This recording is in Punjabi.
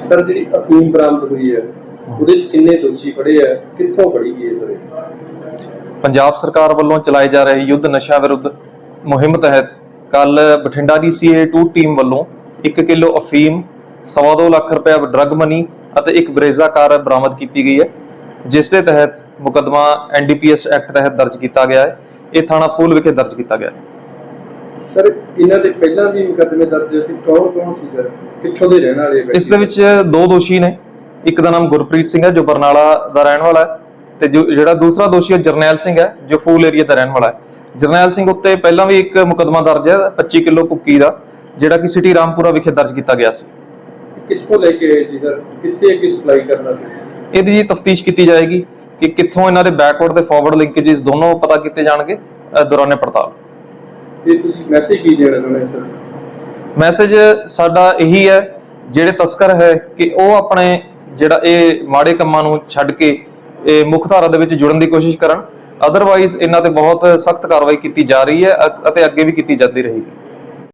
ਸਰ ਜਿਹੜੀ ਅਫੀਮ ਬਰਾਮਦ ਹੋਈ ਹੈ ਉਹਦੇ ਚ ਕਿੰਨੇ ਦੋਸ਼ੀ ਫੜੇ ਆ, ਕਿੱਥੋਂ ਫੜੀ ਗਈ ਹੈ ਸਰ? ਪੰਜਾਬ ਸਰਕਾਰ ਵੱਲੋਂ ਚਲਾਏ ਜਾ ਰਹੇ ਯੁੱਧ ਨਸ਼ਾ ਵਿਰੁੱਧ ਮੁਹਿੰਮ ਤਹਿਤ ਕੱਲ ਬਠਿੰਡਾ ਦੀ CA2 ਟੀਮ ਵੱਲੋਂ 1 ਕਿਲੋ ਅਫੀਮ, 2.25 ਲੱਖ ਰੁਪਏ ਡਰੱਗ ਮਨੀ ਅਤੇ ਇੱਕ ਬਰੇਜ਼ਾ ਕਾਰ ਬਰਾਮਦ ਕੀਤੀ ਗਈ ਹੈ, ਜਿਸ ਦੇ ਤਹਿਤ ਮੁਕੱਦਮਾ NDPS ਐਕਟ ਤਹਿਤ ਦਰਜ ਕੀਤਾ ਗਿਆ ਹੈ। ਇਹ ਥਾਣਾ ਫੂਲ ਵਿਖੇ ਦਰਜ ਕੀਤਾ ਗਿਆ ਹੈ। ਸਰ ਇਹਨਾਂ ਦੇ ਪਹਿਲਾਂ ਵੀ ਮੁਕੱਦਮੇ ਦਰਜ ਸੀ, ਕੌਣ ਸੀ ਸਰ, ਕਿੱਥੋਂ ਦੇ ਰਹਿਣ ਵਾਲੇ? ਇਸ ਦੇ ਵਿੱਚ 2 ਦੋਸ਼ੀ ਨੇ। ਇੱਕ ਦਾ ਨਾਮ ਗੁਰਪ੍ਰੀਤ ਸਿੰਘ ਹੈ ਜੋ ਬਰਨਾਲਾ ਦਾ ਰਹਿਣ ਵਾਲਾ ਹੈ, ਤੇ ਜਿਹੜਾ ਦੂਸਰਾ ਦੋਸ਼ੀ ਹੈ ਜਰਨੈਲ ਸਿੰਘ ਹੈ ਜੋ ਫੂਲ ਏਰੀਆ ਦਾ ਰਹਿਣ ਵਾਲਾ ਹੈ। ਜਰਨੈਲ ਸਿੰਘ ਉੱਤੇ ਪਹਿਲਾਂ ਵੀ ਇੱਕ ਮੁਕੱਦਮਾ ਦਰਜ ਹੈ 25 ਕਿਲੋ ਭੁੱਕੀ ਦਾ, ਜਿਹੜਾ ਕਿ ਸਿਟੀ ਰਾਮਪੁਰਾ ਵਿਖੇ ਦਰਜ ਕੀਤਾ ਗਿਆ ਸੀ। ਕਿੱਥੋਂ ਲੈ ਕੇ ਆਏ ਸੀ ਸਰ, ਕਿੱਥੇ ਅੱਗੇ ਸਪਲਾਈ ਕਰਨਾ ਸੀ? ਇਹਦੀ ਜੀ ਤਫਤੀਸ਼ ਕੀਤੀ ਜਾਏਗੀ ਕਿ ਕਿੱਥੋਂ ਇਹਨਾਂ ਦੇ ਬੈਕਵਰਡ ਤੇ ਫਾਰਵਰਡ ਲਿੰਕੇजेस ਦੋਨੋਂ ਪਤਾ ਕੀਤੇ ਜਾਣਗੇ ਦੌਰਾਨੇ ਪੜਤਾਲ। ਤੇ ਤੁਸੀਂ ਮੈਸੇਜ ਕੀ ਦੇਣਾ ਚਾਹੁੰਦੇ ਸਰ? ਮੈਸੇਜ ਸਾਡਾ ਇਹੀ ਹੈ, ਜਿਹੜੇ ਤਸਕਰ ਹੈ ਕਿ ਉਹ ਆਪਣੇ ਜਿਹੜਾ ਇਹ ਮਾੜੇ ਕੰਮਾਂ ਨੂੰ ਛੱਡ ਕੇ ਇਹ ਮੁੱਖ ਧਾਰਾ ਦੇ ਵਿੱਚ ਜੁੜਨ ਦੀ ਕੋਸ਼ਿਸ਼ ਕਰਨ। ਅਦਰਵਾਈਜ਼ ਇਹਨਾਂ ਤੇ ਬਹੁਤ ਸਖਤ ਕਾਰਵਾਈ ਕੀਤੀ ਜਾ ਰਹੀ ਹੈ ਅਤੇ ਅੱਗੇ ਵੀ ਕੀਤੀ ਜਾਂਦੀ ਰਹੇਗੀ।